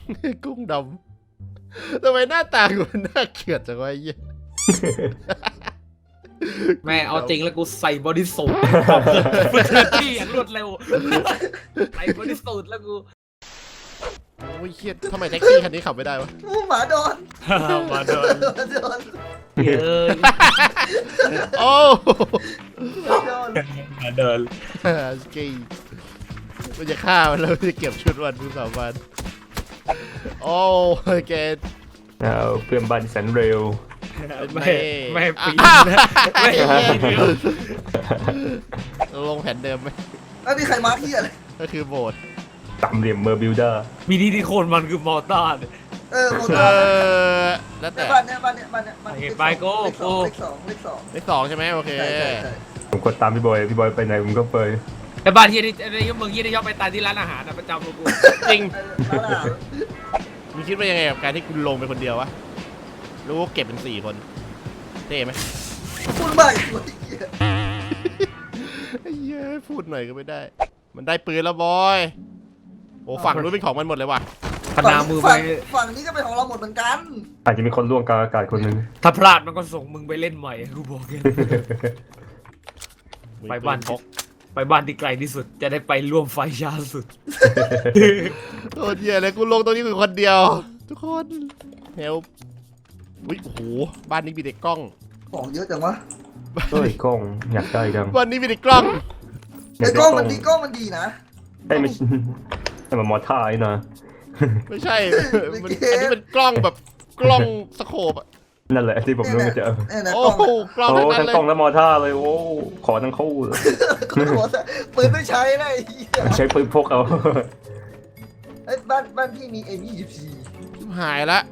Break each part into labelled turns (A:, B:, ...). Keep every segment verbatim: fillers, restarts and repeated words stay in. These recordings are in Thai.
A: กุ้งดำทำไมหน้าตากูมันน่าเกลียดจังวะไอ้เหี้ย
B: แม่เอาจริงแล้วกูใส่บอดี้สูทที่อย่างรวดเร็วใส่บอดี้สูทแล้วกู
A: โอ้ยเครียดทำไมแท็กซี่คันนี้ขับไม่ได้วะ
C: อู้หมาโดน
B: มาโดน
C: หมาโดน
B: เอ้ย
A: โอ้
C: หมาโดน
B: มาโดน
A: สกีมันจะฆ่ามันแล้วจะเก็บชุดวันทุกสามวันโอ้แก
D: เอาเพื่อนบ้านแสนเร็ว
B: ไม่ไม่ปีนไม่
A: ลงแผนเดิมไหม
C: แล้วนี่ใครมาร์คที่อะไร
A: ก็คือโบสถ์
D: ตามเหลี่ยมเมอร์บิลเดอร์
B: มีดีที่โคนมันคือมอร์ตาร์
C: เออโม
A: เอ
C: ตาร์
A: อแล้วแต่
C: บ้านเนี้ยบ้านเนี้ยบ้านเนี้ยบ้าน
B: ไป
C: เนี้ย
B: ไปโก้
C: เลขส
B: โก้
C: องเลขสองเลขสอง
A: เลขสองใช่ไหมโอเค
C: ใช่ใช่ใช่
D: ผมกดตามพี่บอยพี่บอยไปไหนผมก็ไป
B: แต่บ้านที่นี่ในยุคมึงยี่ได้ชอบไปตายที่ร้านอาหารนะประจำกู
A: จริง
C: เออแล้วล่ะ
A: มึงคิดว่ายังไงกับการที่คุณลงไปคนเดียววะรู้ว่าเก็บเป็นสี่คนเท่ไหม
C: พูดใหม่พูดอีก
A: ไอ้เหี้ยพูดหน่อยก็ไม่ได้ มันได้ปืนแล้วบอยโอ้ฝั่งนู้นเป็นของมันหมดเลยว่ะ
B: ขนามือไป
C: ฝั่งฝั่งนี้ก็เป็นของเราหมดเหมือนกัน
D: อาจจะมีคนล่วงกลางอากาศคนหนึ่ง
B: ถ้าพลาดมันก็ส่งมึงไปเล่นใหม่กูบอกแค่ ไปบ้าน
A: พก
B: ไปบ้านที่ไกลที่สุดจะได้ไปร่วมไฟช้าสุด
A: โอ้เหี้ยเลยกูลงตรงนี้คือคนเดียว ทุกคนเฮลอุ้ยโอ้โหบ้านนี้มีเด็กกล้อง
C: ของเยอะจังวะ
D: เฮ้ยกล้องอยากได้จัง
A: บ้านนี้มีเด็กกล้อง
C: ไอ้กล้องมันดีกล้องมันดีนะ
D: ให้มันให้มันมอท่าไอ้นะ
A: ไม่ใช่มันอันนี้เป็นกล้องแบบกล้องสโคปอะ
D: นั่นแหละที่ผมนึกว่าจะเอา
C: เนี่ยนะ
A: โอ้
C: กล้อง
A: โหกล้อง
D: โอ้
A: ทั้งนั้นเลย
D: ทั้งกล้องและมอท่าเลยโอ้ขอทั้งคู่เลย
C: คุณหัวปืนไม่ใช้นะไอ้เหี้ย
D: ใช้ปืนพกเอา
C: ไอ้บ้านบ้านพี่มีเอ็มยี่สิบสี่
A: ชิบหายละ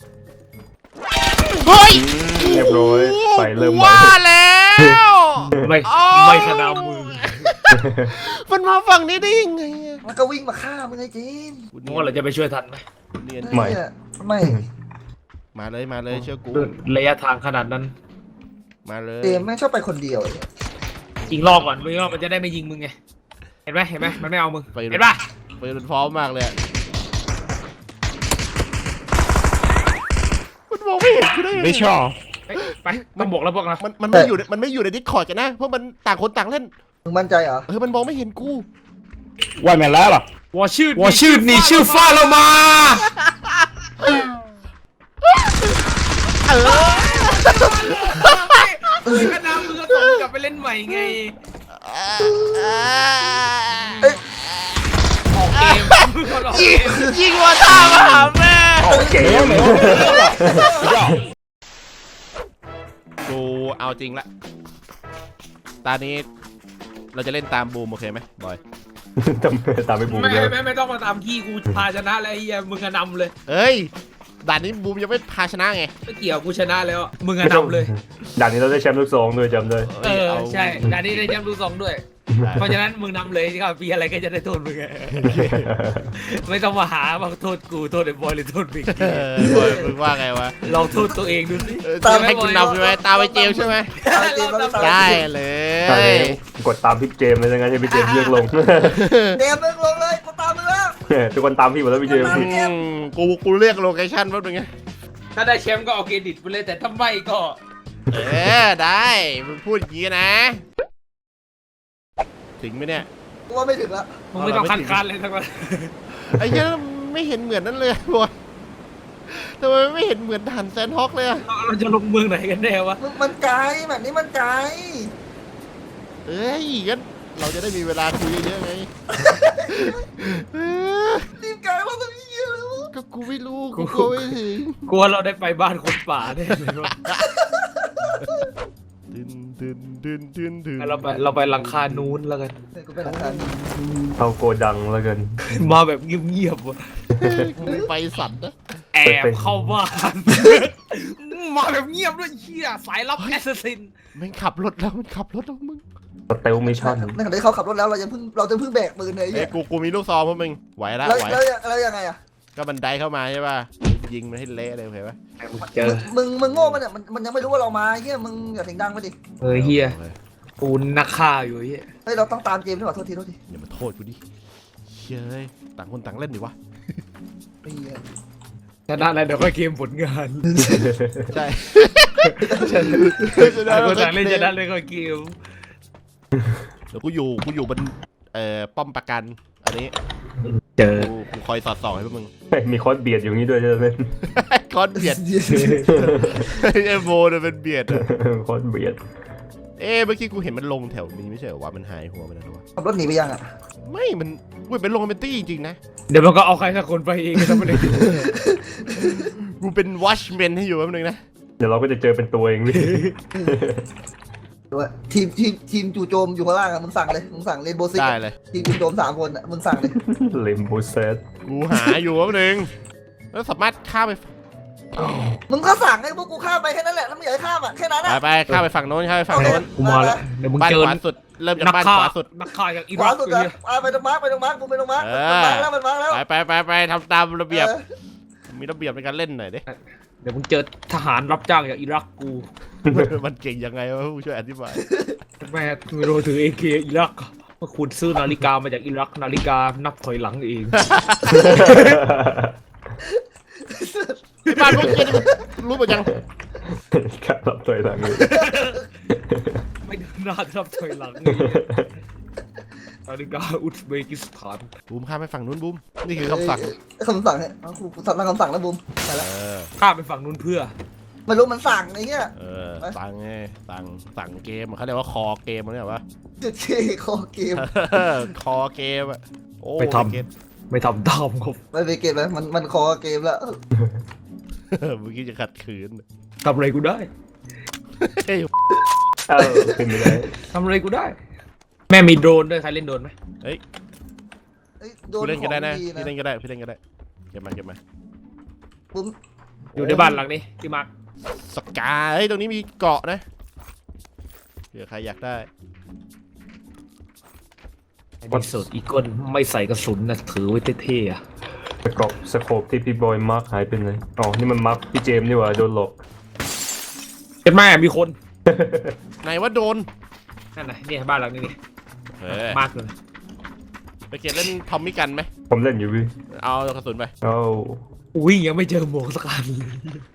A: เฮ้ย
D: เรียบร้อยไฟเริ่มไหม้
A: ว่าแล้ว
B: ไม่
A: โอ้
B: ไม่ขนามือ
A: มันมาฝั่งนี้ได้ยังไงอะ
C: มันก็วิ่งมาฆ่ามึงไอ้จีน
B: มึงว่าเราจะไปช่วยทันไหม
A: เนียน
D: ไม่
C: เนี่ยไม่
A: มาเลยมาเลยเชื่อกู
B: ระยะทางขนาดนั้น
A: มาเลย
C: เจมแม่งชอบไปคนเดียวไอ้เนี่ย
B: ยิงรอบก่อนยิงรอบมันจะได้ไม่ยิงมึงไงเห็นไหมเห็นไหมมันไม่เอามึงเห็นปะ
A: ปืนมันพร้อมมากเลยอะมันมองไม่เห็นกูได้ยังไง
B: ไม่ชอบไปต้องบอกแล้วบอกนะ
A: มันมันไม่อยู่ในมันไม่อยู่ในดิสคอร์ดกันนะเพราะมันต่างคนต่างเล่น
C: มึงมั่นใจเหรอ
A: เออมันมองไม่เห็นกู
E: 外面来了，
B: 我ชื่อ我ชื่อ你ชื่อฟ้า了吗
A: เออ
B: เฮ้ยก็น้ำมึงก็ส่งกลับไปเล่นใหม่ไงออกเกมมึงก็ออกเก
A: ยิง
B: ม
A: ยิงวอต้ามาหาแม่
D: เก๋
E: 没有没有没有了，不要。
A: กูเอาจริงละตอนนี้เราจะเล่นตามบูมโอเคไหมบอย
D: ตามตามไปบูม
B: ไม่
D: เยอะ
B: ไม่ไม่ต้องมาตามที่กูพาชนะแล้วไอ้เหี้ยมึงอะนำเลย
A: เอ้ยด่านนี้บูมยังไม่พาชนะไง
B: ไม่เกี่ยวกูชนะแล้วมึงอะนำเลย
D: ด่านนี้เราได้แชมป์ลูกสองด้วยจำเลย
B: เออใช่ด่านนี้ได้แชมป์ดูสองด้วย เพราะฉะนั้นมึงนำเลยที่เขาปีอะไรก็จะได้โทษมึงไงไม่ต้องมาหาว่าโทษกูโทษไอ้บอยหรือโทษบิ๊ก
A: เออบอยมึงว่าไงวะ
B: ลองโทษตัวเองดูสิ
A: เออจะให้คุณนำใช่ไหมตามไปเจลใช่ไหม
C: เอาเจมมาตาม
A: ได้เล
D: ตอน
A: ย
D: นี้กดตามพี่เจมส์เลยยังไงให้พี่เจมส์เลือกลง
C: เจมมึงลงเลยกูตามมึงแล้ว
D: ทุกคนตามพี่หมดแล้วพี่เจมส์
A: อืมกูกูเรียกโลเคชั่นแป๊บนึงไง
B: ถ้าได้แชมป์ก็เอาเครดิตไปเลยแต่ถ้าไม่ก็
A: เออได้มึงพูดอย่างนี้นะ ถึงไหมเนี่ย
C: กูว่าไม่ถึงละ
B: มึงไม่ต้องคันคันเลยทั้งนั้น
A: ไอ้เหี้ยไม่เห็นเหมือนนั่นเลยบอยทำไมไม่เห็นเหมือนด่านแซนฮอกเลยอะ
B: เราจะลงเมืองไหนกันแน่วะ
C: มึงมันไกลแบบนี้มันไกล
A: เอ้ยงั้นเราจะได้มีเวลาคุยเยอะๆไงเออ
C: รีบไกลว่าตรงนี้เยอะแล้ว
A: ก็กูไม่รู้กูกลัวไม่ถึง
B: กลัวเราได้ไปบ้านคนป่าแน่เลยวะ
A: ดึนดึนดึนดึนดึน
B: เราไปเราไปหลังคานู้นแล้วกัน
C: กูเป็นหลักฐาน
D: เอาโกดังแล้วกัน
B: มาแบบเงียบๆวะ
A: กูไปสัตว์นะ
B: แอบเข้าบ้าน มาแบบเงียบด้วยเชี่ยสายลับแอสซัสซิน
A: มันขับรถแล้วมันขับรถแล้วมึง
D: สเตลมิชชั่น
C: ในขณะที่เขาขับรถแล้วเราจะเพิ่งเราจะเพิ่งแบกปืนเลย
A: เอ้
C: เนี่ย ย
A: กูกูมีลูกซองพวกมึงไหวละ
C: แล้ว
A: ไหว
C: แล้วแล้วยังไงอะ
A: ก็บันไดเข้ามาใช่ป่ะยิงมันให้เละเลยโอเคปะ
B: เจอ
C: มึงมึงโง่มันเนี่ยมันมันยังไม่รู้ว่าเรามาเฮียมึงอย่าเสียงดังไปดิ
B: เฮ้ยเฮียปูนนักฆ่าอยู่เฮีย
C: เฮ้ยเราต้องตามเจมส์ด้วยว่ะโทษทีโทษที
A: อย่ามาโทษกูดิเฮ้ยต่างคนต่างเล่นดิวะ
C: ไอ้เหี้ย
B: ชนะอะไรเดี๋ยวค่อยเกมผลงาน
A: ใช่
B: ต่างคนต่างเล่นชนะเลยค่อยเกม
A: เดี๋ยวกูอยู่กูอยู่บนเอ่อป้อมประกันอันนี้
B: เจอ
A: กูกูคอยสอดส่องให้พวกมึง
D: มีคอสเบียดอยู่นี่ด้วยใช่ไหม
A: คอนเบียดไอ้โบเนี่ยเป็นเบียดอะ
D: คอสเบียด
A: เอ๊ะเมื่อกี้กูเห็นมันลงแถวนี้ไม่ใช่เหรอวะมันหายหัวไปแล้ววะ
C: ขับรถหนีไปยังอ่ะ
A: ไม่มันกูเป็นลงเป็นตี้จริงๆนะ
B: เดี๋ยวมันก็เอาใครสักคนไปเองก็ไม่ได้
A: กูเป็นวอชแมนให้อยู่แป๊บนึงนะ
D: เดี๋ยวเราก็จะเจอเป็นตัวเองพี่
C: ด้วยทีมทีมทีมจู่โจมอยู่ข้างล่างอ่ะมึงสั่งเลยมึงสั่งเลนโบซิก
A: ได้เลย
C: ทีมจู่โจมสามคนอ่ะมึงสั่งเลย
D: เลมโบเซต
A: กูหาอยู่แป๊บนึงแล้วสามารถข้ามไป
C: มึงก็สั่งให้พวกกูข้ามไปแค่นั้นแหละแล้วมึงอยากให้ข้ามอ่ะแค่นั้น
A: ไป
C: อ่ะ
A: ไปข้ามไปฝั่งโน้นข้ามไปฝั่งโน้น
B: กูมาแล้วเดี๋ยวมึง
A: บ้าน
B: เจอ
A: ขวาสุดเริ่มจาก
B: นัก
A: บ้าน
B: ฆ่า
A: ขวาสุด
B: นักฆ่าจากอิ
C: ขวา
B: รัก
C: สุด
B: เล
C: อ่ะ
B: ย
C: อ่ะไปตรงมาร์กไปตรงมาร์กกูไปตรงมาร์ก
A: เอ
C: มัน
A: อ
C: มาร์กแล้วมันมาร์กแล้ว
A: ไปไปไปไปทำตามระเบียบ
C: ออ
A: มีระเบียบในการเล่นหน่อยดิ
B: เดี๋ยวมึงเจอทหารรับจ้างจากอิรักกู
A: มันเก่งยังไงวะผู้ช่วยอธิบาย
B: แม่ไม่รู้ถือเอเคอิรักเมื่อคุณซื้อนาฬิกามาจากอิรักนาฬิกานับถอยหลังเอง
A: ไอ้บ้านพวกเกียรู้หมดยัง
D: ครับรับตัวทางนี้
B: ไม่เดินหน้านับถอยหลังเองนาฬิกาอุซเบกิสถาน
A: บูมข้ามไปฝั่งนู้นบูมนี่คือคำสั่ง
C: เอ้ยคำสั่งเนี่ยเอากูกูทำตามคำสั่งแล้วบุมไปแล้ว
A: เออ
B: ข้ามไปฝั่งนู้นเพื่อ
C: ไม่รู้มันสั่งไอ้เหี้ย
A: เออสั่งไงสั่งสั่งเกมเขาเรียกว่าคอเกมเขาเรียกว่า
C: จุดเคคอเกม
A: คอเกมอะโอ้
B: ไม่ท
A: เกม
B: ำไม่ทำตามครับ
C: ไม่ไปเกมแล้วมันมันคอเกมแล้ว
A: เมื่อกี้จะขัดขืน
B: ทำอะไรกูได้
A: เฮ้ย
D: เออขึ้นไม่ได้
B: ทำอะไรกูได้ แม่มีโดรนด้วยใครเล่นโดรนไหม
C: เอ้ยโด
A: พี่
C: น
A: เล่น
C: ข
A: ก็
C: อง
A: ได้นะ
C: ดี
A: พี่
C: นะ
A: เล่นก็ได้พี่เล่นก็ได้เก็บมาเก็บมา
C: บุม
B: อยู่ในบ้านหลังนี้ที่มาร์ค
A: สกาเฮ้ยตรงนี้มีเกาะนะเผื่อใครอยากได้
B: ดีสุดอีกคนไม่ใส่กระสุนนะถือไว้เท่ๆอะ
D: สกอบสโคปที่พี่บอยมาร์คหายไปไหนอ๋อนี่มันมาร์คพี่เจมส์นี่หว่าโดนหลอก
B: เป็นแม่มีคน
A: ไหนว่าโดน
B: นั่นน่ะเนี่ยบ้านหลังนี้นี่
A: เออ
B: มาร์คเลย
A: ไปเก็บเล่นทอมมี่กันไหม
D: ผมเล่นอยู่พี่
A: เอากระสุนไป
D: เอ้า
B: อุ้ยยังไม่เจอหมวกสักอันเลย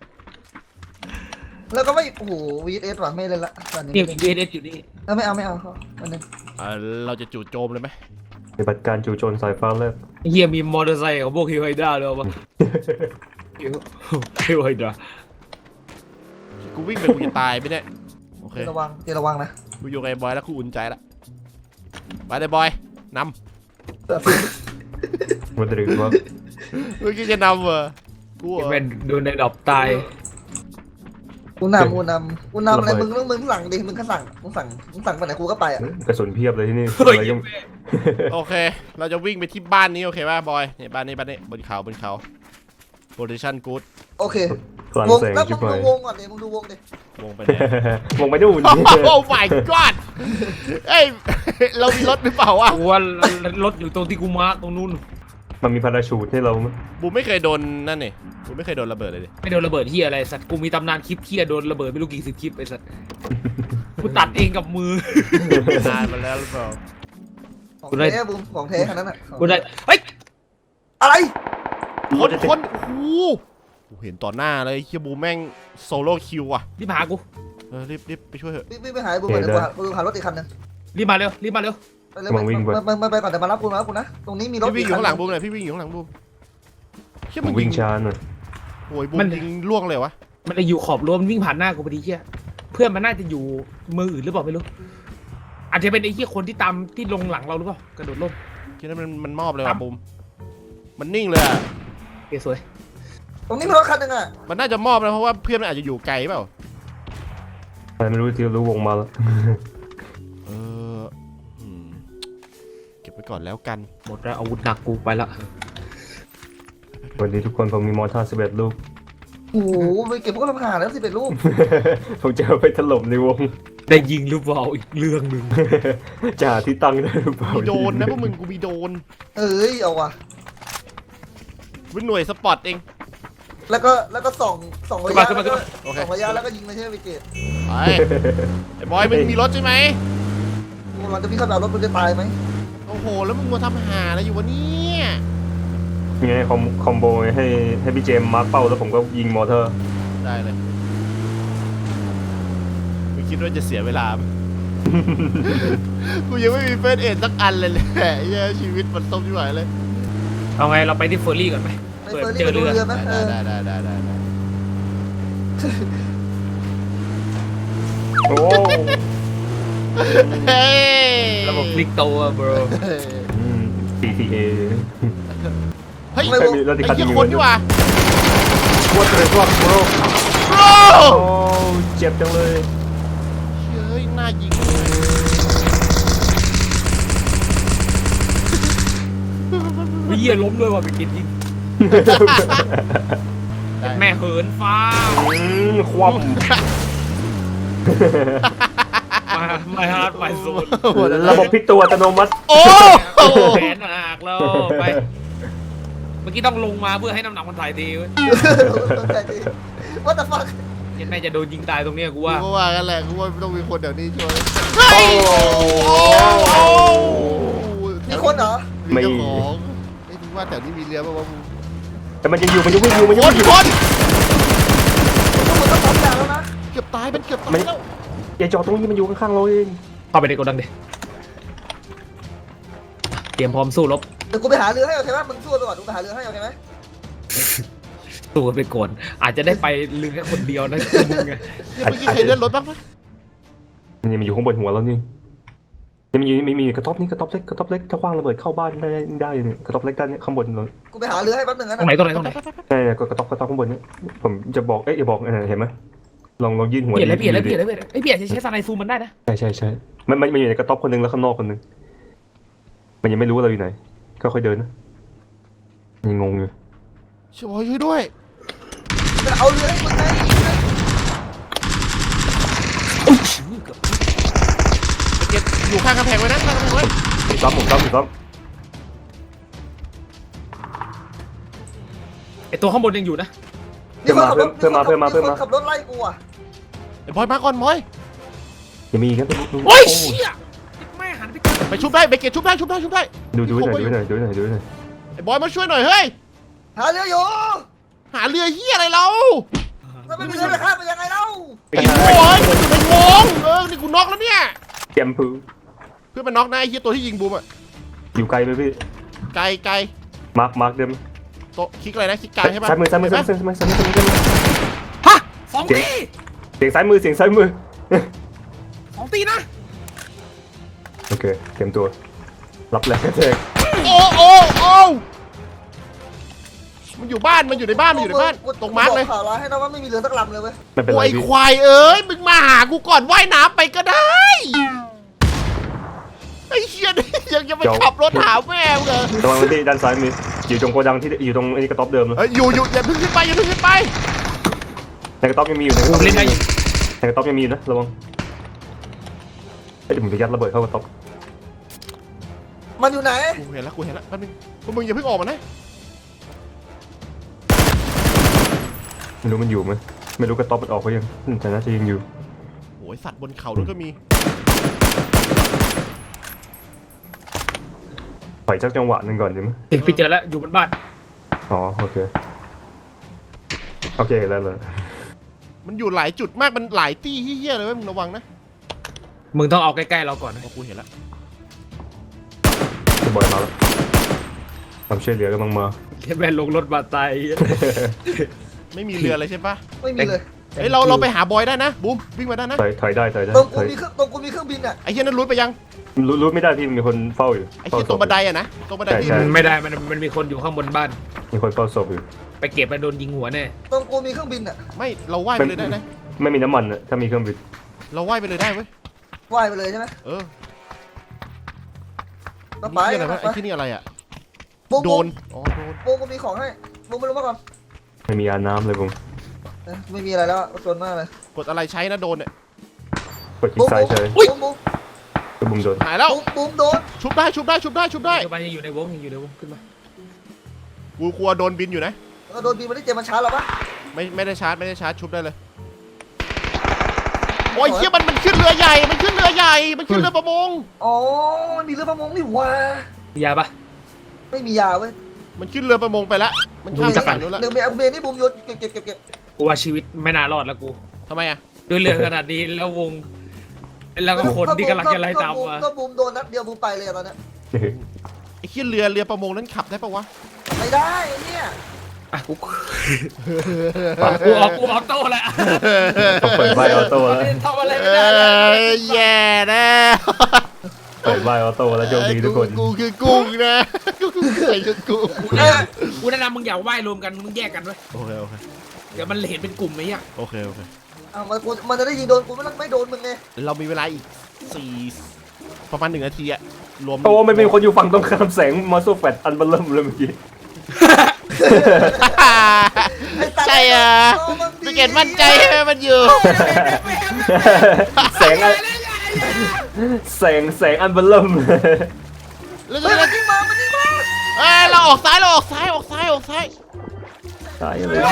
C: แล้วก็ไม่โอ้โหวีเอสว่ะไม่เล่นละตอนนี้
B: นี่เอเอสอยู่นี่
C: เออไม่เอาไม่เอาเขาวันนึง
A: เออเราจะจู่โจมเลยไหม
D: ปฏิบัติการจู่โจมสายฟ้าแลบ
B: เฮียมีมอเตอร์ไซค์ของพวกฮิวไฮด้าเลยปะฮิวฮิวไฮด้า
A: กูวิ่งไปกูจะตายไปเนี่ยโอเค
C: ระวังเดี๋ยวระวังนะ
A: กูอยู่กับไอ้บอยแล้วกูอุ่นใจละไปเลยบอยน
D: มันหรือว่า
A: ำเมื่อกี้จะนำเหรอกูเหรอ
B: แม่นโดนในดอกตาย
C: กูนำกูนำกูนำอะไรมึงต้องมึงสั่งดิมึงก็สั่งมึงสั่งมึงสั่งไปไหนกูก็ไปอ่ะ
D: กระสุนเพียบเลยที่นี่
B: เฮ้ย
D: อะไรก็
A: โอเค เราจะวิ่งไปที่บ้านนี้โอเคป่ะบอยเนี่ยบ้านนี้บ้านนี้บนเขาบนเขาโพซิชั่นกู๊ด
C: โอเค
D: พลัง
C: วง
D: แสง
C: แล้ว
D: ชิ
C: มึ
D: บ
C: ง
D: หา
C: ดู
D: ยว
C: งก่อนดิมึงดูวงดิ
A: วงไปไหน
D: มองไปดูน
A: โอ้ my god เอ้ย เรามีรถหรือเปล่าวะ
B: กูว่ารถอยู่ตรงที่กูมาร์คตรงนู้น
D: มันมีพาราชูทให้เราไหม
A: บูมไม่เคยโดนนั่นนี่บูมไม่เคยโดนระเบิดเลยดิ
B: ไม่โดนระเบิดเฮียอะไรสัตว์กูมีตำนานคลิปเฮียโดนระเบิดไม่รู้กี่สิบคลิปไอ้สัตว์กูตัดเองกับมือ
A: นานมาแล้วหรือเปล่า
C: ของ
B: กูได้
C: แท้บุมของแท้ขนาดนั้นอ่ะ
B: กูได้เฮ้ย
C: อะไร
A: คนคนโอ้โหกูเห็นต่อหน้าเลยเฮียบูมแม่งโซโล่คิวอ่ะ
B: รีบมาหากู
A: เออรีบรีบไปช่วยเถอะ
C: พี่พี่ไปหาบุมก่อนเดี๋ยวกูหากูหารถอีกคันนึง
B: รีบมาเร็วรีบมาเร็ว
C: ไปเลยมามาไปก่อนเดี๋ยวมารับกูมารับกูนะตรงนี้มีรถ
A: พี่วิ่งอยู่ข้างหลังบูมเลยพี่วิ่งอยู่ข้างหลังบูมเฮีย
D: ผ
A: มั
D: ม
A: น
D: วิ่
A: ยิ
D: ง
A: ง
D: ช้าหน่อย
A: โอ้ยบูมยิงล่วงเลยวะ
B: มันจะอยู่ขอบรั้วมันวิ่งผ่านหน้ากูพอดีเฮียเพื่อนมันน่าจะอยู่มืออื่นหรือเปล่าไม่รู้อาจจะเป็นไอ้เฮียคนที่ตามที่ลงหลังเราหรือเปล่ากระโดดร่ม
A: คิดว่ามันมันมอบเลย
B: ครั
A: ว่ะ
B: บ
A: บูมมันนิ่งเลยอ่ะ
B: โอเคสวย
C: ตรงนี้มีรถคันนึงอ่ะ
A: มันน่าจะมอบนะเพราะว่าเพื่อนมันอาจจะอยู่ไกลเปล่า
D: อะไรไม่รู้ที่รู้วงมาแล้ว
A: เอออืมเก็บไปก่อนแล้วกัน
B: หมดแล้วอาวุธหนักกูไปละ
D: สวัสดีทุกคนผมมีมอร์ท่าร์สิบเอ็ดลูก
C: โอ้โหไปเก็บพวกลำหาแล้วสิเป็นลูก
D: ผมจะเอาไปถล่มในวง
B: ได้ยิงหรือเปล่าอีกเรื่องหนึ่ง
D: จ่าที่ตั้งได้หรือเปล่า
A: มีโดนนะพวกมึงกูมีโดน
C: เอ้ยเอาว่ะ
A: เป็นหน่วยสปอร์ตเอง
C: แล้วก็แล้วก็ส่องส่องระยะแล้วก็
A: โอเค
C: ส่องระยะแล้วก็ยิงไม่ใช่ไปเกต
A: ไปไอ้บอยมึงมีรถใช่ไหม
C: กูหลังจะพี่เข้าไปเอารถมึงจะตายไหม
A: โอ้โหแล้วมึงมาทำหาอะไรอยู่วะเนี่ย
D: ยังไงคอมคอมโบให้ให้พี่เจมมาร์คเป้าแล้วผมก็ยิงมอเตอร์
A: ได้เลยไม่คิดว่าจะเสียเวลาไหม กูยังไม่มีเฟสเอ็ดสักอันเลยแหละเหี้ยชีวิตมันต้มที่ไหนเลย
B: เอาไงเราไปที่เฟอร์รี่ก่อนไหม
C: ไป
B: เปิด
C: เฟอร์
B: เจ
C: รี่
B: อ
C: ไปดู
B: เรือ
C: เรือไหมเอ
A: ได้
C: อ
A: ได้ได้ได้ได้
D: โอ้
A: เฮ้ย
B: ระบบคลิกโตอะ bro
D: อืม ซี ที เอ
A: เฮ้ย
D: ไม่
A: ไอ้
D: มีแล้วที่
A: เหี้ย
D: คัด
A: คนนี่หว่า
D: วัดเลยวัดโบร
A: โอ้
D: โอ้เจ็บจังเลย
A: เฮ้ยน่ายิง
B: วิเยียล้มด้วยว่ะไปกินยิง
A: ได้
B: แม่เหินฟ้า
D: อืมคว่
B: มาไม่ฮาร์ดไปโซน
D: ำระบบพลิกตัวอัตโนมัติ
A: โอ้
B: แขนหักแล้วไปเมื่อกี้ต้องลงมาเพื่อให้น้ำหนักมันถ่ายทีเว้ย
C: ต้องใจดี What the fuck
B: ยันแม่จะโดนยิงตายตรงเนี้ยกูว่า
A: กูก็ว่ากันแหละกูว่าต้องมีคนเดี๋ยวนี้ช่วย
C: มีคนเหรอ
A: มีเจ้าของไอ้ยมึงว่าแถวนี้มีเรือป่าววะมึง
D: แต่มันยังอยู่มันยังวิ่งอยู่มันยัง
A: ค
D: วิ่
A: น
D: งอยู่
A: คน
C: ทุกคนต้องพร้อมอย่างแล้วนะ
A: เกือบตายมันเกือบตาย
D: มัน
A: แล้ว
D: อย่าจอดตรงนี้มันอยู่ข้างๆเราเอง
B: เข้าไปในโกดังดิเตรียมพร้อมสู้รบ
C: เดี๋ยวกูไปหาเรือให้โอเคไหมมึงสู้ไปก่อนกูไปหาเรือให้โอเคไหม
B: สู้กันไปก่อนอาจจะได้ไปลืมแค่คนเดียวนะมึงไง
A: เมื่อกี้ใครเลื่อนรถบ้างปะ
D: มันยังอยู่ข้างบนหัวเรานี่ยังมีมีมีกระต๊อบนี่กระต๊อบเล็กกระต๊อบเล็กถ้าคว้างระเบิดเข้าบ้านได้ได้เนี่ยกระต๊อบเล็กด้านนี้ข้างบนเลย
C: กูไปหาเรือให้แป๊บนึงนะ
B: ตรงไหนตรงไหนตรงไหน
D: ใช่ก็กระต๊อบกระต๊อบข้างบนนี่ผมจะบอกเอ๊ะอย่าบอกเห็นไหมลองลองยื่นหัว
B: เปลี่ยนเลยเปลี่ยนเลยเปลี่ยนเลยเปลี่ยนเลยไอ้เปลี่ยนใช้สไนซูมมันได้นะ
D: ใช่ใช่ใช่มันมันมันอยู่ในกระต๊อบคนหนึงแล้วข้างนอกคนหนึงมันยังไม่รู้ว่าเราอยู่ไหนก็ค่อยเดินนะยังงงอยู่
A: ช่วยช่วยด้วย
C: จะเอาเรือให้มึงไง
A: เก็บอยู่ข้างกำแพงไว้นะข้างกำแพงไว้
D: ถูกต้องถูกต้องถูกต้อง
B: ไอตัวข้างบนยังอยู่นะ
C: นี่คนขับรถขับรถไล่กูอ่ะ
A: ไอ้บอยมาก่อนบอย
D: ยังมีอีกนะ
B: โอ้ยเชี่ยแม่หันไป
A: ไปชุบได้ไปเก็บชุบได้ชุบได้ชุบได้
D: ดูดูหน่อยดูหน่อยดูหน่อยดูหน่อย
A: ไอ้บอยมาช่วยหน่อยเฮ้ย
C: หาเรืออยู่
A: หาเรือเฮียอะไรเรา
C: ถ้าไม่มีเรือจะข้ามไปยังไงเล่า
A: ไอ้โว้ยมันอยู่ในวงเออนี่กูน็อกแล้วเนี่ย
D: แกมพู
A: เพื่อนมันน็อกนะไอ้เฮียตัวที่ยิงบูมอะ
D: อยู่ไกลไหมพี่
A: ไกลไกล
D: มาร์คมาร์คเดิม
A: โต๊ะคลิกอะไรนะคลิกกลางใช่ปะ
D: ซ้ายมือซ้ายมือซ้ายมือซ้ายมือซ้ายมือซ้ายมือซ้ายมือ
B: ฮะสองตี
D: เสียงซ้ายมือเสียงซ้ายมือ
B: สองตีนะ
D: โอเคเตรียมตัวรับแรงกระแทก
A: โอ้โอ้โอ้มันอยู่บ้านมันอยู่ในบ้านมันอยู่ในบ้านตรงมาร์กเลย
C: ข่าวร้ายให้นะว่าไม่มีเรือสักลำเลยเว้ย
D: ไม่เป็นไร
A: โอ้ย
D: พี่
A: ควายเอ้ยมึงมาหากูก่อนว่ายน้ำไปก็ได้ไอ้เชี่ยนี่ยังจะไปขับรถหาแม่มึงเหรอ
D: ระวังที่ด้านซ้ายมืออยู่ตรงโกดังที่อยู่ตรงไอ้กระต๊อบเดิมเลย
A: เอ้ยอยู่อยู่อย่าเพิ่งขึ้นไปอย่าเพิ่งขึ้นไป
D: ในกระต๊อบยังมีอยู่ในกระ
B: กู
D: ต๊อบ
B: เล่นได้อยู่
D: ในกระต๊อบยังมีอยู่นะระวังเดี๋ยวผมจะยัดระเบิดเข้ากระต๊อบ
C: มันอยู่ไหน
A: กูเห็นแล้วกูเห็นแล้วแป๊บนึงพวกมึงอย่าเพิ่งออกมานะ
D: ไม่รู้มันอยู่ไหมไม่รู้กระต๊อบมันออกไปยังแต่น่าจะยังอยู่
A: โอ้ยสัตว์บนเขาด้วยก็มี
D: ปล่อยสักจังหวะหนึ่งก่อนดีไหม
B: เด็กพี่เจอแล้วอยู่บนบ้าน
D: อ๋อโอเคโอเคแล้วเลย
A: มันอยู่หลายจุดมากมันหลายตี้เฮี้ยๆเลยเว้ยมึงระวังนะ
B: มึงต้องเอาใกล้ๆเราก่อนนะ
A: โอ้กูเห็นแล้ว
D: จะบอยมาแล้วความช่วยเหลือกำลังมา
B: เห็นแม่ลงรถบาดตาย
A: ไม่มีเรือเลยใช่ปะ
C: ไม่มีเลย
A: เฮ้ยเราเราไปหาบอยได้นะบูมวิ่งมาได้นะ
D: ถอยถอยได้ถอยได้
C: ตรง
D: ถ
C: กู
D: อย
C: มีเครื่องตรงกูมีเครื่องบินอ่ะ
A: ไอ้เฮี้ยนั้นรู้ไปยัง
D: รู้รู้ไม่ได้ที่มีคนเฝ้าอยู่
A: ไอ้เฮี้ยตรงบันไดอะนะตรงบันไดที่
D: ใช่
B: มันไม่ได้มันมันมีคนอยู่ข้างบนบ้าน
D: มีคนเฝ้าศพอยู่
B: ไปเก็บแล้วโดนยิงหัวแน่
C: ตรงกูมีเครื่องบินอ่ะ
A: ไม่เราว่ายไปเลยได้นะ
D: ไม่มีน้ำมันอะถ้ามีเครื่องบิน
A: เราว่ายไปเลยได้เว้ย
C: ว่ายไปเลยใช่ไหม
A: เออ
C: ก็
A: นี่
C: ไป
A: เหี้ยอะไรวะ
C: ไป
A: ไอ้ที่นี่อะไรอะ
C: บูม
A: โด
C: บู
A: น
C: ม
A: อ๋อโดน
C: บูมกูมีของให้บูมไปลงมาก่อน
D: ไม่มียาน้ำเลยผม
C: เอ้ยไม่มีอะไรแล้วจนมากเลย
A: กดอะไรใช้นะโดนเนี่ย
D: กดคลิกซ้ายเฉย
C: บูมบูม
D: ตัวบุ้มโดน
A: หายแล้ว
C: บูมบูมโดน
A: ชุบได้ชุบได้ชุบได้ชุบได้
B: ปัจจุบันยังอยู่ในวงยังอยู่ในวงขึ้นมา
A: กูกลัวโดนบินอยู่นะ
C: แล้วก็โดนบินมาที่เจมันช้าเราปะ
A: ไม่ไม่ได้ชาร์จไม่ได้ชาร์จชุบได้เลยโอ้ยเฮี้ยมันมันขึ้นเรือใหญ่มันขึ้นเรือใหญ่มันขึ้นเรือประมง
C: อ๋อมันมีเรือประมงนี่หว่า
B: มียาปะ
C: ไม่มียาเว้ย
A: มันขึ้นเรือประมงไปแล้วมันข้ามฝั่งนู้นแล้ว
C: เดี๋ยวเมียเมียนี่บูมโยนเก็บเก็บเก็บเก็บ
B: กูว่าชีวิตไม่น่ารอดแล้วกู
A: ทำไมอะ
B: ด้วยเรื่องขนาดนี้แล้ววง แล้วก็คนที่กำลังจะไล่ตามมา
C: ก็บูมโดนนัดเดียวบูมไปเลยตอนนี้
A: ไอ้ขึ้นเรือเรือประมงนั้นขับได้ปะวะ
C: ไม่ได้เนี่ย
B: อ่ะกูกูออกกูออกโต้แล้ว
D: เปิดใบออโต้แล้ว
B: ทำอะไร
A: เอ
B: ไม่ได้แล้ว
A: ้ยแย่แน่
D: เปิดใบออโต้แล้วโชคดีทุกคน
A: กูคือกุ้งนะกูคือใส่ชุดกุ้ง
B: กูแนะนำมึงอย่าว่ายรวมกันมึงแยกกันไว้
A: โอเคโอเค
B: เดี๋ยวมันเห็นเป็นกลุ่มไหมอ่ะ
A: โอเคโอเค
C: อ่ะมันกูมันจะได้ยิงโดนกูไม่ไม่โดนมึงไง
A: เรามีเวลาอีกสี่ประมาณหนึ่งนาทีอะรวม
D: โอ้ไม่มีคนอยู่ฝั่งตรงข้ามแสงมาโซแฟตอันเบลเริ่มเลยเมื่อกี้
A: ใช่อ่ะพี่เกดมั่นใจใช่ไหมมันอยู่
D: แสงอะแสงแสงอันเบลเริ่ม
A: แล้ว
C: เฮ้ยมันยิงมามันยิงมา
A: เอ้ยเราออกซ้ายเราออกซ้ายออกซ้ายออกซ้าย
D: ตายเลย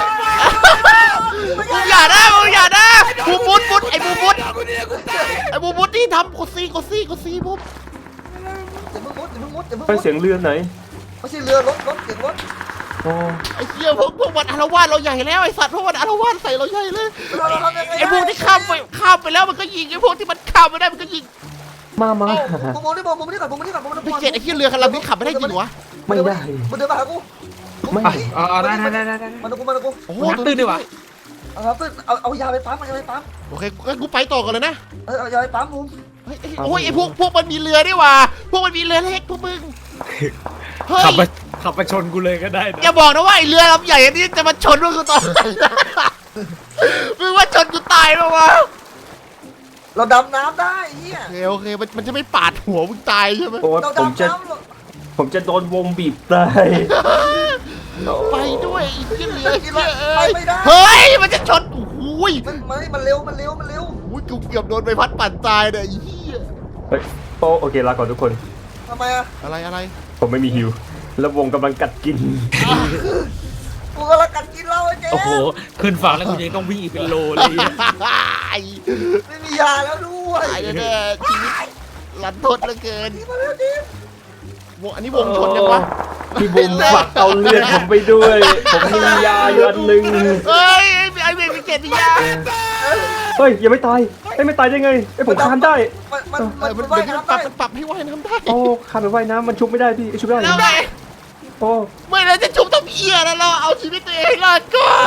A: มึงอย่านะมึงอย่านะบูมุดมุดไอ้บูมุดไอ้บูมุดที่ทำกดซีกดซีกดซีบุ๊บ
C: อย่าเพิ่งมุดอย่าเพิ่งมุดอย่าเพิ่ง
D: เป็น
C: มุด
D: เสียงเรือไหน
C: ไม่ใช่เรือรถรถเสียงรถ
D: โอ้
A: ไอ้เหี้ยพวกพวกมันอารวาสเราใหญ่แล้วไอ้สัตว์พวกมันอารวาสใส่เราใหญ่เลย
C: เราเราทำยังไง
A: ไอ้พวกที่ข้ามไปข้ามไปแล้วมันก็ยิงไอ้พวกที่มันข้ามไม่ได้มันก็ยิง
D: มามา
C: บูมบูมนี่บูมบูมนี่ก่อนบูมนี่ก่อนบูมนี่ก่อน
A: พี่เกดไอ้เหี้ยเรือคันลำนี้ขับไม่ได้จริงวะ
D: ไม่ได้
C: มันเดินมาหากู
D: ไม่
B: อ๋อได้ได้ได้ได้
C: มันกูมันกู
A: โอ้โห
B: น้ำตื้นดีว่ะ
C: เอาครับเอาเอายาไปปั๊มเอายาไปปั๊ม
A: โอเคงั้นกูไปต่อกันเลยนะ
C: เออเอายาไปปั๊มบูม
A: เฮ้ยโอ้ยไอ้พวกพวกมันมีเรือนี่หว่าพวกมันมีเรือเล็กพวกมึงเฮ้ย
B: ขับไปขับไปชนกูเลยก็ได้นะ
A: อย่าบอกนะว่าไอ้เรือลำใหญ่อันนี้จะมาชนพวกกูตอนไหนมึงว่าชนกูตายปะวะ
C: เราดำน้ำได้เฮีย
A: โอเคโอเคมันมันจะไม่ปาดหัวมึงตายใช่ไหม
D: โอ้
C: เรา
D: ผมจะ
C: ดำน้ำ
D: ผมจะโดนวงบีบตาย
A: ไปด้วยไอ้เหี้ยเรือ
C: กิน
A: เหี้ย
C: ไป
A: เอ้ย
C: ไม่ได้
A: เฮ้ยมันจะชนโอ้โหย
C: มันมันมันเร็วมันเร็วมันเร็ว
A: โอ้ยกูเกือบโดนใบพัดปั่นตายเนี่ยไอ้เหี้ย
D: เฮ้ยโอ้โอเคลาก่อนทุกคน
C: ทำไมอะ
A: อะไรอะไร
D: ผมไม่มีฮิว แล้ววงกำลังกัดกิน
C: กูกำลังกัดกินเหล้าไอ้เจ๊
B: โอ้โหขึ้นฝั่งแล้วกูยังต้องวิ่งอีกเป็นโลเลย
A: ไอ้
C: ไม่มียาแล้วด้วย
A: ตายแน่ๆชีวิตรันทดเหลือเกิน
C: นี่มาแล้วดิ
A: วงอันนี้วงชนยังวะ
D: พี่บุ๋มฝากเอาเลือดผมไปด้วย ผมมียาอยู่อันหนึ่ง
A: เฮ้ยไอ้ไอ้เบรกเกตมียา
D: เฮ้ยยังไม่ตายเอ้ยไม่ตายได้ไงไอ้ยผมคานได้
C: มันมัน
A: เอ
C: มัน
A: อมัน
C: ว่าย
A: มัน
C: น้ำ
A: ปรั
C: ได้
A: บมันปรับให้ว่ายน้ำได้
D: โอ้คานไปว่ายน้ำมันชุบไม่ได้พี่ชุบได้
A: แล้วไง
D: โอ้
A: เมื่อไรจะชุบต้องเอียแล้วเราเอาชีวิตตัวเองให้รอดก่อน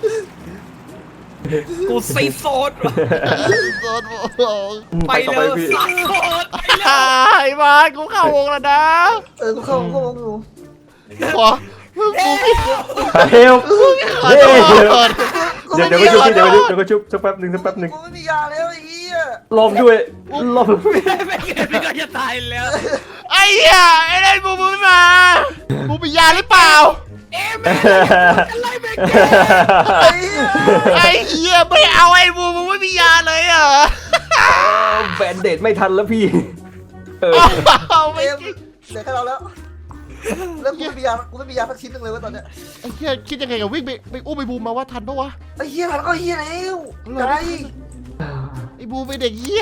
B: กูซีโซดว่ะ
A: โดนโอ้ย
B: ไป
D: ต่อ
B: เลย
D: พี่
B: ซีโซดไปเลย
A: ไอ้บ้านกูเข้าวงแล้วนะ
C: เออกูเข้าเข้าวงอยู่
A: ขอกูไม่
D: เฮล
A: ขอ
D: เฮ้ย
A: โท
D: เดี๋ยว
A: ษ
C: กู
D: เดี๋ยว
C: ไม่
D: เดี๋ยว
C: มี
D: ก็ชุบ
C: ยา
D: พี่เดี๋ยวก็ชุบเดี๋ยวก็ชุบสักแป๊บหนึ่งสักแป๊บหนึ่ง
C: กูไม่มียาแล้วไอ้เหี้ย
D: ลมด้วยลม
B: ไม่เกิดไม่ก็จะตายแล้ว
A: ไอ้เหี้ยไอ้เล่นบูบูไม่มาบูมียาหรือเปล่า
B: เอ๊ะแม่อะไรแม่แก
C: ไอ้เหี้ย
A: ไอ้เหี้ยไม่เอาไอ้บูบูไม่มียาเลยเหรอ
D: แบนเดดไม่ทันแล้วพี่เออ
A: เอาไม่
C: เกมเดี๋ยวแค่เราแล้ว แล้วกูไม่มียากูไม่มียาสักชิ้นหนึงเลยเว้ยตอนเนี้ย
A: ไอ้เหี้ยคิดยังไงกับวิ่งไปไปอุ้มไอ้บูมมาว่าทันปะวะ
C: ไอ้เหี้ยทันก็เหี้ยแล้วไกล
A: ไอ้บูมเป็นเด็กเหี้ย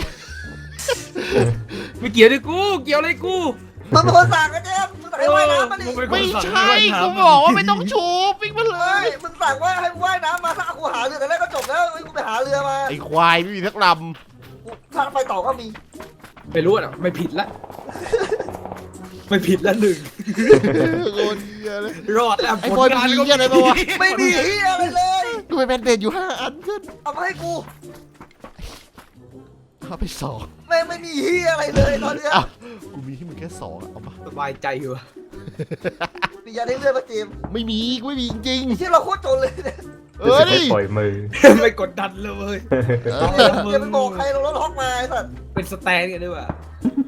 B: ไม่เกี่ยวด้วยกูเกี่ยวอะไรกู
C: มึงเป็นคนสั่งกันเจมส์มึงสั่งให้ว่ายน้ำมาดิ
B: เออ
A: ไม่ใช่กูบอกว่าไม่ต้องชูบวิ่งมาเล
C: เฮ้
A: ย
C: ยมึงสั่งว่าให้ว่ายน้ำมาถ้ากูหาเรือแต่แรกก็จบแล้วเฮ้ยกูไปหาเรือมา
A: ไอ้ควายไม่มีทักล
C: กูถ้าไปต่อก็มี
B: ไม่รู้อ่ะไม่ผิดละไม่ผิดละหนึ่ง
A: ำโคตรเหี้ยเลย
B: รอดแล้ว
A: ไอ้บอยมันมีเหี้ยอะไรปะวะ
C: ไม่มีเหี้ยอะไรเลย
A: กูไปแบนเดดอยู่ห้าอันเพื่อน
C: เอามาให้กู
A: เอาไปสอง
C: แม่งไม่มีเหี้ยอะไรเลยตอนเนี้ย
A: อ้าวกูมีให้มึงแค่สองอะเอามา
B: สบายใจอยู่
C: มียาเล่นเลือดมาเจมส์
A: ไม่มีกูไม่มีจริง
C: ไอ้เชี่ยเราโคตรจนเลยเนี่ย
A: ๆเออดิ
D: ปล่อยมือ
B: ไม่กดดันเลยเว้ย
A: เอ
C: อย่า
A: อ
C: อย่าไปบอกใครเราลดล็อกมาไอ้สัส
B: เป็นสแตนกันด้วยว่ะ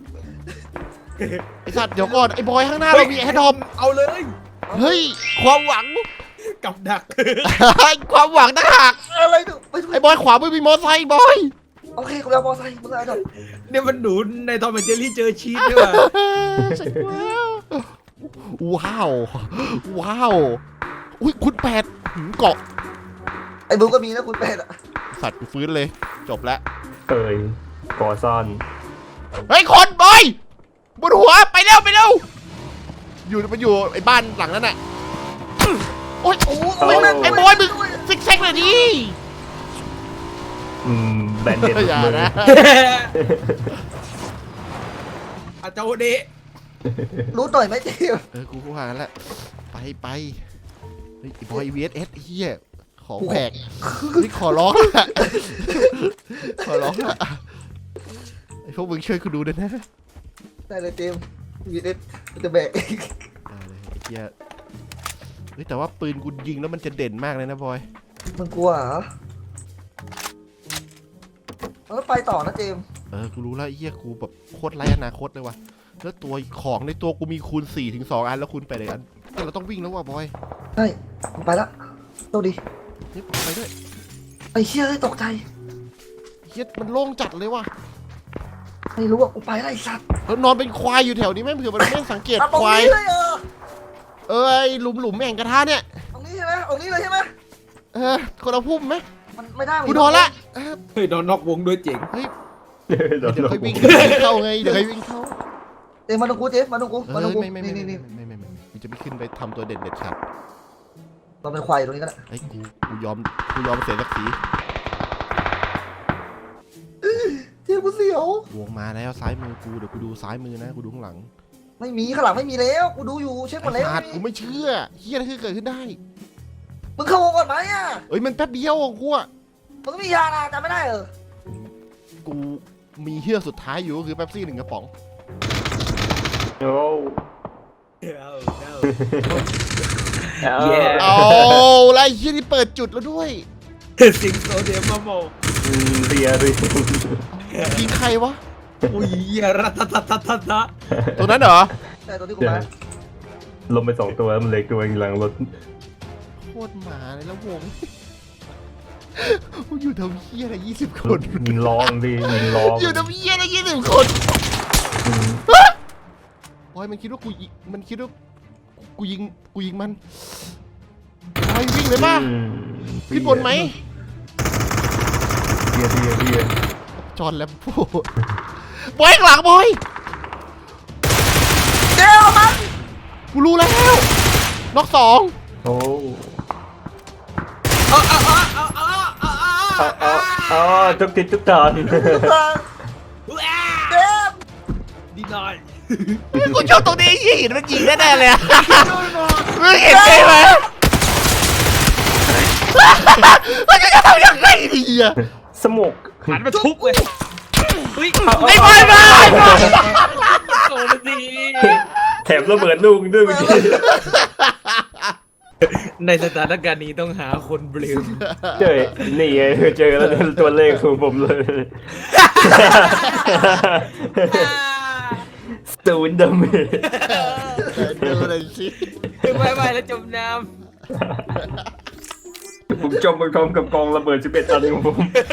A: ไอ้สัตว์เดี๋ยวก่อนไอ้บอยข้างหน้าเรามีแอดดอม
B: เอาเลย
A: เฮ้ยความหวัง
B: กับดัก
A: ความหวังต่างหาก
C: อะไรดูไปดู
A: ไอ้บอยขวามือมีมอไซค์บอย
C: โอเคกูเอามอไซค์มึงเอาดอก
B: เนี่ยมันหนูในตอนเป็นเจอรี่เจอชีสด้วยว่ะ
A: ใช่แล้วว้าวว้าวอุ้ยคุณแปดหืมเกาะ
C: ไอ้บูก็มีนะคุณเป็ดอะ
A: สัตว์กูฟื้นเลยจบแล้ว
D: เอ้ยก่อซ่อน
A: เฮ้ยคนบอยบนหัวไปเร็วไปเร็วอยู่มันอยู่ไอ้บ้านหลังนั้นน่ะโอ๊ย
C: โอ้โห
A: ไอ้
C: แม่ง
A: ไอ้บอยมึงซิกแซกหน่อยดิ
D: อืมแบนเด็ด
A: อย่า
D: มือ
A: นะ
B: อาเจ้าเดะ
C: รู้หน่อยไหมเจมส์
A: เออกูก็ว่างั้นแหละไปไปเฮ้ยไอ้บอยวีเอสเอสเฮียของแปลกนี่ขอร้องละขอร้องละไอ้พวกมึงช่วยกูดูด้วยนะ
C: ได้เลยเจมส์วีเอสมันจะแบก
A: ได้เลยไอ้เฮียเฮ้ยแต่ว่าปืนกูยิงแล้วมันจะเด่นมากเลยนะบอย
C: มึงกลัวเหรอแล้วไปต่อนะเจมส์
A: เออกูรู้แล้วไอ้เฮียกูแบบโคตรไร้อนาคตเลยว่ะแล้วตัวของในตัวกูมีคูณสี่ถึงสองอันแล้วคูณไปเลยอันแต่เราต้องวิ่งแล้วว่ะบอย
C: ใช่มึงไปละโชคดี
A: นี่ไปด้วย
C: ไอ้เชี่ยเลยตกใจ
A: เฮียมันโล่งจัดเลยว่ะ
C: ไม่รู้ว่ากูไปอะไรสัตว์
A: แล้วนอนเป็นควายอยู่แถวนี้แม่งเผื่อมันไม่สังเกต
C: อ่ะตรง
A: ควาย
C: นี้เลยเออ
A: เออไอหลุมหลุมแม่งกระทะเนี่ย
C: ตรงนี้ใช่ไหมตรงนี้เลยใช่ไหม
A: เออคนละพุ่มไหม
C: มันไม่ได้
A: กูโดนละเออ
B: เฮ้ยโดนนอกวงด้วยเจ๋ง
A: เฮ้ย
D: เดี๋ยว
A: เดี๋ยว
D: เรา
A: ค่อยวิ่งเดี๋ยวค่อยเข้าไงเดี๋ยวค่อยวิ่งเข้า
C: เจมส์มาดูกูเจมส์มาดูกู
A: เอ
C: มาดู
A: อ
C: กู
A: ไม่ไม่ไม่
C: นี่
A: ไม่
C: นี่
A: ไม่
C: นี่
A: ไม่ไม่ไม่มันจะไม่ขึ้นไปทำตัวเด่นเด็ดขาด
C: เราเป็นควายตรงนี้ก็ได้
A: ไอ้ยกูกูยอมกูยอมเสียศักดิ์ศรี
C: เจมส์กูเสียว
A: วงมาแล้วซ้ายมือกูเดี๋ยวกูดูซ้ายมือนะกูดูข้างหลัง
C: ไม่มีข้างหลังไม่มีแล้วกูดูอยู่เช็คหมด
A: ไอ้
C: แล้ว
A: สัตว์กูไม่เชื่อเฮียอะไรคือเกิดขึ้นได้
C: มึงเข้าวงก่อนไหมอ่ะ
A: เอ้ยมันแป๊บเดียวอ่ะกูอ่ะ
C: มึงก็มียานะจำไม่ได้เออ
A: กูมีเฮือกสุดท้ายอยู่ก็คือแป๊บซี่หนึ่งกระป๋อง
D: โอ้
B: เอาเอา
D: เอา
A: เอาแล้วไอ้เฮียนี่เปิดจุดแล้วด้วย
B: สิงโตเดียมมาโม
D: อืมเรียเรีย
A: ยิงใครวะ
B: อุ้ยรัตตะตะตะตะ
A: ตัวนั้นเหรอ
C: ใช่ตัวที่กูมา
D: ลงไปสองตัวแล้วมันเล็กตัวเองหลังรถ
A: โคตรหมาเลยแล้ววง กูอยู่ทำเฮียอะไรยี่สิบคน
D: ยิงลองดิยิงลอง
A: อยู่ทำเฮียอะไรยี่สิบคน
D: อืม
A: บอยมันคิดว่ากูยิงมันคิดว่ากูยิงกูยิงมันบอยวิ่งเลยป่ะ
D: อืม
A: ขึ้นบนไหม
D: เรียเรียเรีย
A: จอห์นแลมโบ้บอยข้างหลังบอย
C: เจมส์มัน
A: กูรู้แล้วน็อกสอง
D: โอ้
B: เอาเอาเอาเอาเอาเอาเอา
D: เอาเอาเอาทุกทิศทุกทาง
C: เจมส์
B: ดีหน่อย
A: กูชอบตรงนี้ยิงมันยิงแน่ๆเลยอะมึงเห็นใช่ไหมมันจะทำยังไงดีอะ
D: สมก
B: หันมาทุบเลยเฮ้ย
A: ไอ้บอยมา
B: โซมันดี
D: แถมระเบิดลูกด้วยเมื่อกี้
B: ในสถานการณ์นี้ต้องหาคนเบลม
D: เจอนี่ไงเจอแล้วตัวเลขของผมเลยศูนย์ดาเมจ
A: ดูหน่อยสิ
B: ไปไปแล้วจมน้
D: ผมจมไปพร้อมกับกองระเบิดสิบเอ็ดอันของผม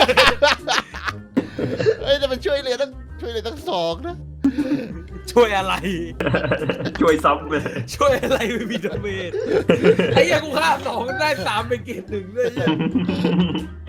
A: เอ้ยแต่มันช่วยเหลือตั้งช่วยเหลือตั้งสองนะ
B: ำช่วยอะไร
D: ช่วยซ้ำเลย
B: ช่วยอะไรไม่มีดาเมจไอ้เหี้ยังกูฆ่าสองได้สามเป็นเกรดหนึ่งด้วยเนี่ย